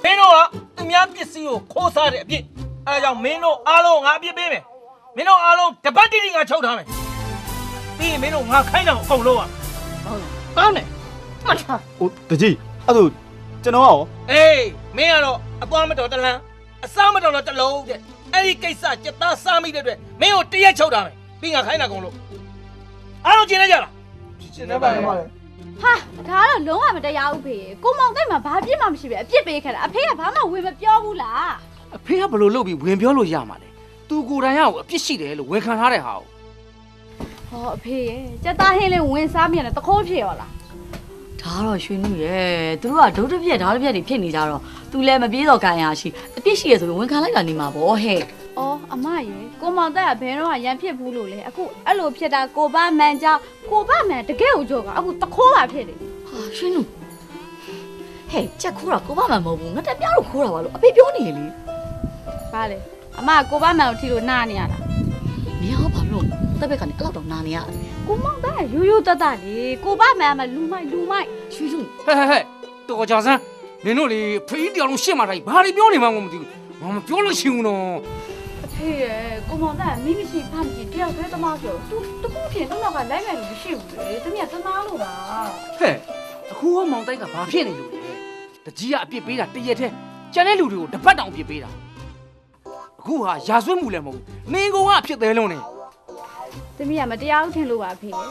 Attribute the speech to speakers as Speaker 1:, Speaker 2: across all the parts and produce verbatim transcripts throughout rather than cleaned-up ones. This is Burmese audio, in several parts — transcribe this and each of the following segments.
Speaker 1: မင်းတို့ကသူများပစ္စည်းကိုခိုးစားတဲ့အပြစ်အဲဒါကြောင့်မင်းတို့အားလုံးငါအပြစ်ပေးမယ်မင်းတို့အားလုံးတပတ်တိတိငါချုပ်ထားမယ်ပြီးရင်မင်းတို့ငါခိုင်းတာကိုအကုန်လုံးอ่ะကောင်းတယ်မှတ်ထား
Speaker 2: ဟိုတကြီးအဲ့ဒါကျွန်တော်ရော
Speaker 1: အေးမင်းကတော့အပွားမတော်တလန်းအစားမတော်တော့တလုံးတဲ့အဲ့ဒီကိစ္စစက်သားစားမိတဲ့အတွက်မင်းကိုတရက်ချုပ်ထားမယ်ပြီးငါခိုင်းတာအကုန်လုံးအားလုံးကျင်နေကြလား
Speaker 2: ရှင်းနေပါလေပါလေ
Speaker 3: ဟာဒါကတော့လုံးဝမတရားဘူးဖေကိုမောင်တိုက်မှာဘာပြစ်မှမရှိပဲအပြစ်ပေးခဲ့တာအဖေကဘာမှဝင်မပြောဘူးလား
Speaker 4: အဖေကဘလို့လုပ်ပြီးဝင်ပြောလို့ရမှာလဲသူကိုယ်တိုင်ရောက်အပြစ်ရှိတယ်လို့ဝန်ခံထားတဲ့ဟာကို
Speaker 3: ဟောအဖေရဲ့စက်သားဟင်းလေးဝင်စားမြန်တယ်တခိုးဖြစ်ရောလား
Speaker 5: ဒါကတော့ရွှေနုရဲ့သူတို့ကဒုတ်တစ်ပြက်ဓာတ်တစ်ပြက်တွေဖြစ်နေကြတော့သူလည်းမပြေးတော့ခံရရှိအပြစ်ရှိရဆိုပြီးဝန်ခံလိုက်တာနေမှာဗောဟဲ့
Speaker 3: အော်အမရေကိုမောင်တိုက်ကဘယ်တော့မှရန်ဖြစ်ဘူးလို့လေအခုအဲ့လိုဖြစ်တာကိုဘမန်ကြောင့်ကိုဘမန်တကယ်ကိုကြောက်တာအခုတခိုးပါဖြစ်တယ်
Speaker 5: ဟာရွှေနုဟဲ့ချက်ခိုးတာကိုမမှန်မဟုတ်ဘူးငါတက်ပြားလို့ခိုးတာပါလို့အဖေပြောနေလေ
Speaker 3: ဘာလဲအမကိုဘမန်ကိုထီလို့နားနေရတာ
Speaker 5: မင်းဟောဘာလို့တက်ဘက်ကနေအဲ့လောက်တော့နာနေရ
Speaker 3: ကိုမောင်တိုက်ကရိုးရိုးတတ်တတ်လေကိုဘမန်ကမှလူမိုက်လူမိုက်
Speaker 5: ရွှေနု
Speaker 4: ဟဲ့ဟဲ့ဟဲ့တော်ကြစမ်းနင်တို့လေဖေးတရားလုံးရှင်းมาတိုင်းဘာတွေပြောနေမှန်းကိုမသိဘူးငါမပြောလို့ရှိဘူးနော်
Speaker 3: အဖေရဲ့ကိုမောင်တိုက်ကမိမရှိဖမ်းကြည့်တယောက်တည်းသမားပြောသူတခုဖြစ်တော့ကလိုက်မယ်လို့မရှိဘူးလေတမီးကသနာလို့ပါ
Speaker 4: ဟဲ့အခုဟောမောင်တိုက်ကဘာဖြစ်နေလို့လဲတကြီးကအပြစ်ပေးတာတရက်တည်းကျန်တဲ့လူတွေကိုတပတ်တောင်အပြစ်ပေးတာအခုဟာရာဇဝတ်မှုလည်းမဟုတ်ဘူးမင်းကောင်ကအဖြစ်သေးလုံးနေ
Speaker 3: တမီးကမတရားဘူးထင်လို့ပါအဖေရဲ့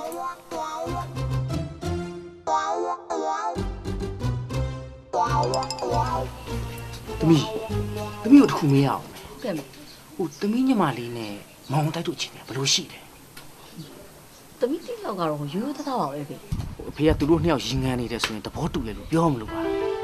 Speaker 4: သမီးသမီးတို့တစ်ခုမေးရအောင်
Speaker 5: ကဲ
Speaker 4: ဟိုသမီးညီမလေးနဲ့မောင်တိုက်တို့ချင်းတယ်ဘယ်လိုရှိလဲ
Speaker 5: တမီးတိလောက်ကတော့ရိုးရိုးသားသားပါပဲဖေ
Speaker 4: ဟိုအဖေကသူတို့နှစ်ယောက်ရင်ငန်းနေတယ်ဆိုရင်သဘောတူတယ်လို့ပြောမလို့ပါ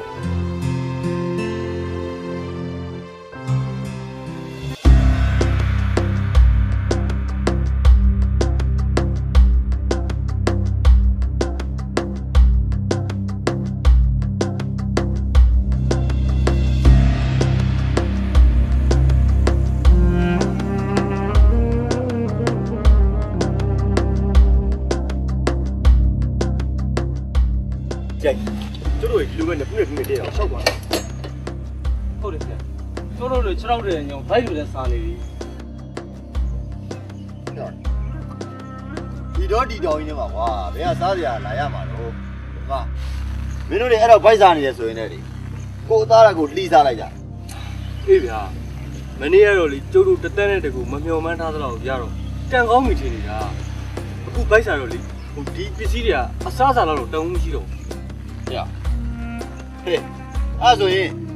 Speaker 2: ကြိုက်ကျတို့ဒီလိုပဲနှစ်ခုနဲ့ခုနဲ့တည်းအောင်ရှောက်ပါ
Speaker 1: ဟုတ်တယ်ဆရာတို့တို့ခြေထောက်တဲ့ညောင်ဘိုက်လိုလည်းစားနေပြီ
Speaker 2: ဒီတော့ဒီတော်ကြီးနေမှာကွာဘယ်ကစားစရာလာရမှာတော့ဟာမင်းတို့တွေအဲ့တော့ဗိုက်စားနေရဆိုရင်လည်းကိုသားရကိုလှီးစားလိုက်ကြ
Speaker 6: အေးဗျာမနေ့ကတော့လေကျုပ်တို့တသက်နဲ့တကူမမျှော်မှန်းထားသလောက်ရတော့တန်ကောင်းပြီထင်နေတာအခုဘိုက်စားတော့လေဟိုဒီပစ္စည်းတွေကအစားအစာလောက်တော့တုံးမရှိတော့ဘူး
Speaker 2: ဟဲ့အဲ့ဆိုရင်